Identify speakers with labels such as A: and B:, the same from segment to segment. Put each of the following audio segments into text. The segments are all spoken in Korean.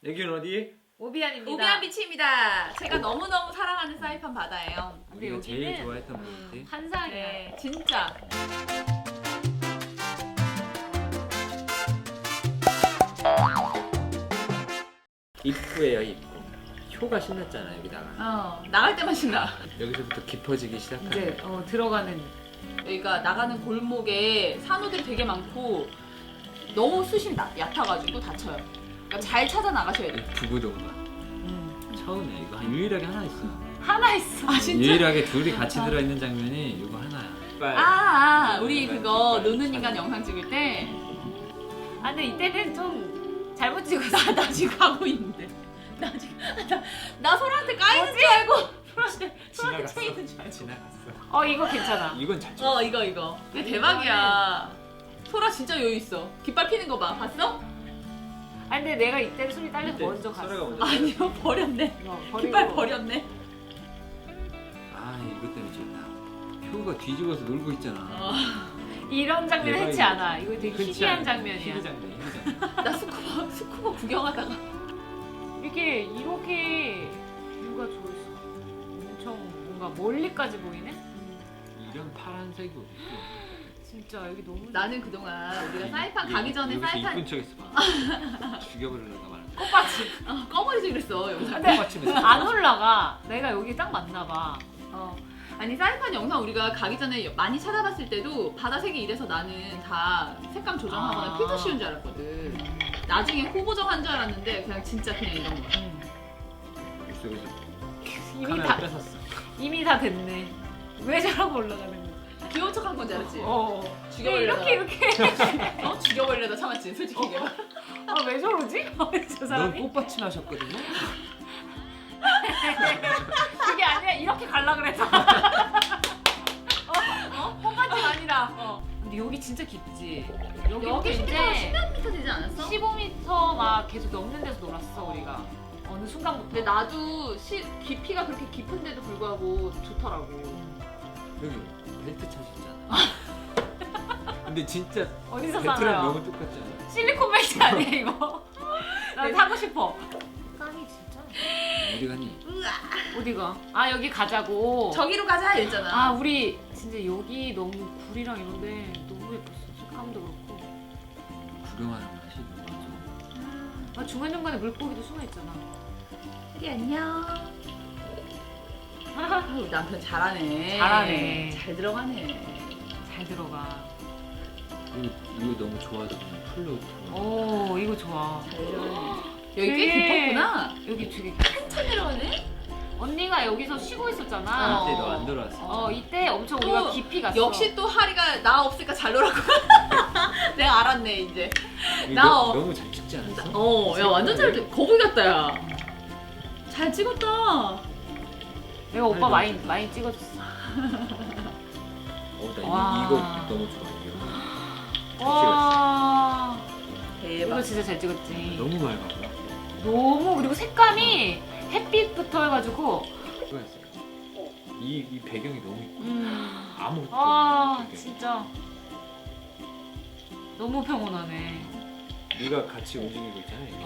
A: 여기는 어디?
B: 오비안입니다.
C: 오비안 비치입니다. 제가 너무너무 사랑하는 사이판 바다예요.
B: 근데
A: 우리가 제일
B: 여기는
A: 좋아했던 곳인데.
B: 환상이야.
C: 네, 진짜.
A: 입구예요, 입구. 효가 신났잖아 여기다가.
C: 나갈 때만 신나.
A: 여기서부터 깊어지기 시작하는.
B: 이제 들어가는.
C: 여기가 나가는 골목에 산호들이 되게 많고 너무 수심이 얕아가지고 다쳐요. 그러니까 잘 찾아 나가셔야 돼요.
A: 부부동가. 처음에 이거 유일하게 하나 있어.
B: 하나 있어.
C: 아 진짜?
A: 유일하게 둘이 같이 들어있는 장면이 이거 하나야.
C: 우리 그거 노는 인간 영상 찍을 때.
B: 아 근데 이때는 좀 잘못 찍었어.
C: 나 지금 하고 있는데. 나 소라한테 까이는 줄 알고. 소라한테 까이는 줄 알고.
A: 지나갔어.
B: 이거 괜찮아.
A: 이건 잘 찍었어.
C: 이거. 이거 대박이야. 소라 진짜 여유 있어. 깃발 피는 거 봐. 봤어?
B: 아 근데 내가 이때는 손이 딸려서
A: 이때
B: 먼저 갔어.
A: 소라가 먼저.
C: 아니요, 버렸네.
B: 버리고.
C: 깃발 버렸네.
A: 아 이거 때문에 좋다. 효가 뒤집어서 놀고 있잖아.
B: 이런 장면
A: 대박이다.
B: 흔치 않아. 이거 되게
A: 흔치
B: 희귀한
A: 않은
B: 장면이야.
A: 희귀 장면.
C: 나 스쿠버 구경하다가
B: 이렇게 이렇게 뷰가 좋았어. 엄청 뭔가 멀리까지 보이네.
A: 이런 파란색이 어딨어?
B: 진짜 여기 너무.
C: 나는 그동안 우리가 사이판 가기 전에
A: 여기서
C: 사이판
A: 이쁜 척했어 봐. 죽여버리려다 말았어.
B: 꽃밭이.
C: 꺼버리지 그랬어 영상.
B: 근데
A: 꽃받침에서.
B: 안 올라가. 내가 여기 딱 맞나 봐.
C: 아니 사이판 영상 우리가 가기 전에 많이 찾아봤을 때도 바다색이 이래서 나는 다 색감 조정하거나 필터 씌운 줄 알았거든. 나중에 호보정한 줄 알았는데 그냥 진짜 그냥 이런 거야.
A: 물속에서
B: 이미
A: 카메라
B: 다
A: 뺏었어.
B: 이미 다 됐네. 왜 저러고 올라가는 거야?
C: 귀여운 척한 건지 알았지? 죽여버리려다.
B: 이렇게.
C: 죽여버리려다 참았지 솔직히 얘기해.
B: 왜 저러지? 저
A: 넌
B: 사람이?
A: 꽃받침 하셨거든요?
B: 그게 아니라 이렇게 갈라 그래서. 뽕받침 아니라. 근데 여기 진짜 깊지.
C: 여기
B: 이제
C: 10m 되지 않았어?
B: 15m 막 계속 넘는 데서 놀았어 우리가. 어느 순간부터.
C: 근데 나도 깊이가 그렇게 깊은데도 불구하고 좋더라고.
A: 여기 벨트 차셨잖아. 근데 진짜
B: 어디서
A: 벨트랑
B: 사나요?
A: 너무 똑같잖아.
B: 실리콘 벨트 아니야 이거? 나 사고 싶어. 깡이 진짜.
A: 어디 갔니?
B: 어디가? 아 여기 가자고.
C: 저기로 가자 이랬잖아.
B: 아 우리 진짜 여기 너무 굴이랑 이런데 너무 예뻤어. 색감도 그렇고.
A: 구경하는 맛이 너무 좋아.
B: 아 중간중간에 물고기도 숨어있잖아.
C: 혜리 안녕. 아유, 남편 잘하네.
B: 잘하네.
C: 잘 들어가네.
B: 잘 들어가.
A: 이거 너무 좋아서 그냥 풀로 들어가.
B: 오 이거 좋아.
C: 잘 들어가네. 여기 꽤 깊었구나.
B: 여기 되게
C: 한참 내려가네.
B: 언니가 여기서 쉬고 있었잖아.
A: 이때 너 안 들어왔어.
B: 이때 엄청 우리가
C: 또
B: 깊이 갔어.
C: 역시 또 하리가 나 없으니까 잘 놀았고. 내가 알았네 이제.
A: 이거
C: 나
A: 너무 잘 찍지 않았어?
C: 야 완전 잘 거북이 같다 야. 잘 찍었다.
B: 내가 오빠
A: 아니,
B: 많이 찍어줬어.
A: 나
B: 와.
A: 이거 너무 좋아. 이거.
B: 와
C: 대박.
B: 이거 진짜 잘 찍었지.
A: 너무 맑아.
B: 너무 그리고 색감이 햇빛부터 해가지고.
A: 좋아했어. 이 배경이 너무 이뻐. 아무것도
B: 아
A: 없는 배경.
B: 진짜 너무 평온하네.
A: 네가 같이 움직이고 있잖아. 이렇게.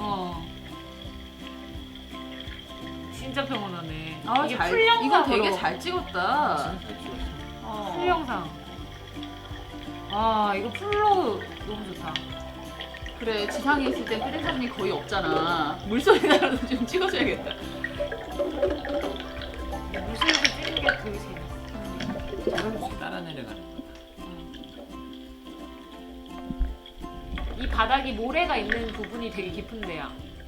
B: 진짜 평온하네.
C: 아,
B: 이게
C: 잘,
B: 풀영상으로.
C: 이거 되게 잘 찍었다.
A: 진짜 잘 찍었어.
B: 풀영상. 아 이거 풀로 너무 좋다.
C: 그래 지상에 있을 때 휴대사진이 거의 없잖아. 물소리 나라도 좀 찍어줘야겠다.
B: 물속에서 찍는 게 되게 재밌어.
A: 조금씩 따라 내려가는 거.
B: 이 바닥이 모래가 있는 부분이 되게 깊은 데야.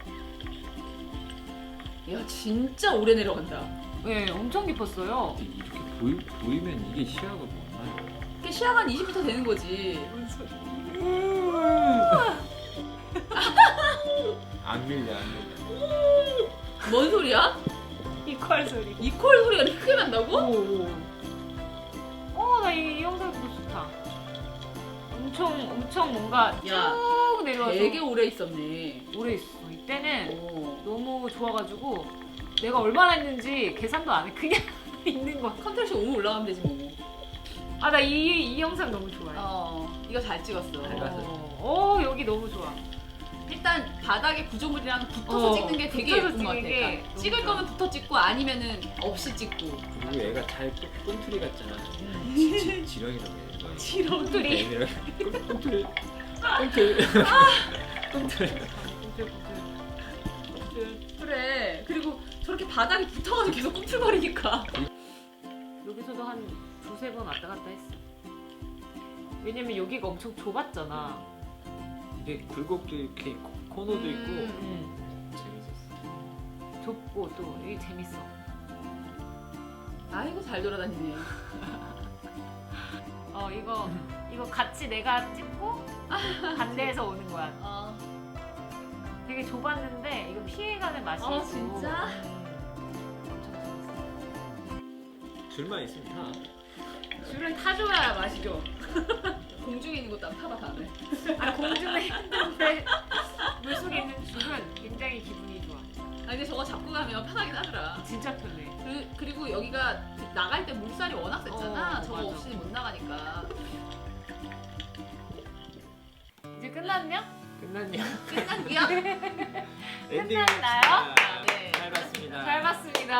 C: 야 진짜 오래 내려간다.
B: 네, 엄청 깊었어요.
A: 근데 이렇게 보이면 이게 시야가 뭐나?
C: 이게 시야가 한 20m 되는 거지.
A: 안 밀려 안 밀려.
C: 뭔 소리야?
B: 이퀄 소리.
C: 이퀄 소리가 이렇게 크게 난다고?
B: 나 이 영상도 좋다. 엄청 뭔가
C: 야,
B: 쭉 내려와서
C: 되게 오래 있었네.
B: 오래 있어. 이때는
C: 오.
B: 너무 좋아가지고 내가 얼마나 했는지 계산도 안 해. 그냥 있는 거야.
C: 컨트롤 오면 올라가면 되지 뭐.
B: 아 나 이 영상 너무 좋아해.
C: 이거 잘 찍었어.
A: 잘 봤어.
B: 여기 너무 좋아.
C: 일단 바닥에 구조물이랑 붙어서 찍는 게 되게
B: 붙어서
C: 예쁜 것 같아.
B: 찍는 게
C: 그러니까
B: 너무
C: 찍을
B: 좋아.
C: 거면 붙어 찍고 아니면은 없이 찍고.
A: 그리고 얘가 잘 꿈틀이 같잖아. 지렁이라고 해. 이거.
B: 지렁이들이.
A: 네, 꿈틀. 꿈틀. 꿈틀.
C: 그래. 그리고 저렇게 바닥에 붙어가지고 계속 꿈틀거리니까.
B: 여기서도 한 두세 번 왔다 갔다 했어. 왜냐면 여기가 엄청 좁았잖아.
A: 이게 굴곡도 이렇게 코너도 있고
B: 응.
A: 재밌었어.
B: 좁고 또 여기 재밌어.
C: 아이고 잘 돌아다니네.
B: 이거 같이 내가 찍고 반대에서 오는 거야. 되게 좁았는데 이거 피해가는 맛이 있고.
C: 진짜?
B: 엄청 재밌어.
A: 줄만 있으면 타.
C: 줄은 타줘야 맛이죠. 공중에 있는 것도 안 타봐 다음에.
B: 공중에 있는데 물속에 있는 줄은 굉장히 기분이 좋아.
C: 근데 저거 잡고 가면 편하긴 하더라.
B: 진짜 편해.
C: 그리고 여기가 나갈 때 물살이 워낙 셌잖아. 저거
B: 맞아.
C: 없이는 못 나가니까.
B: 이제 끝났냐?
A: 끝났냐?
C: 끝난기야?
A: 엔딩
B: 끝났나요?
C: 네.
A: 잘 봤습니다.
B: 잘 봤습니다.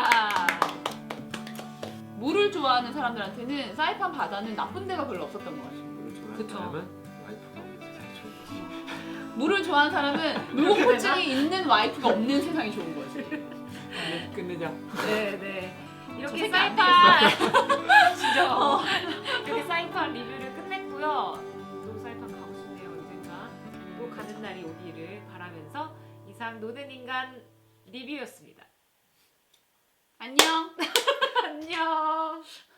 C: 물을 좋아하는 사람들한테는 사이판 바다는 나쁜 데가 별로 없었던 것 같아요.
A: 물을 좋아하는
B: 그쵸.
A: 사람은 와이프가 오면 세상이 좋은 거지.
C: 물을 좋아하는 사람은 물공포증이 있는 와이프가 없는 세상이 좋은 거지.
A: 끝내자.
B: 네네.
C: 저
B: 이렇게
C: 생각 안
B: 사이판 진짜 이렇게 사이판 리뷰를 끝냈고요. 또 사이판 가고 싶네요 언젠가. 또 가는 날이 오기를 바라면서 이상 노는 인간 리뷰였습니다.
C: 안녕.
B: 안녕.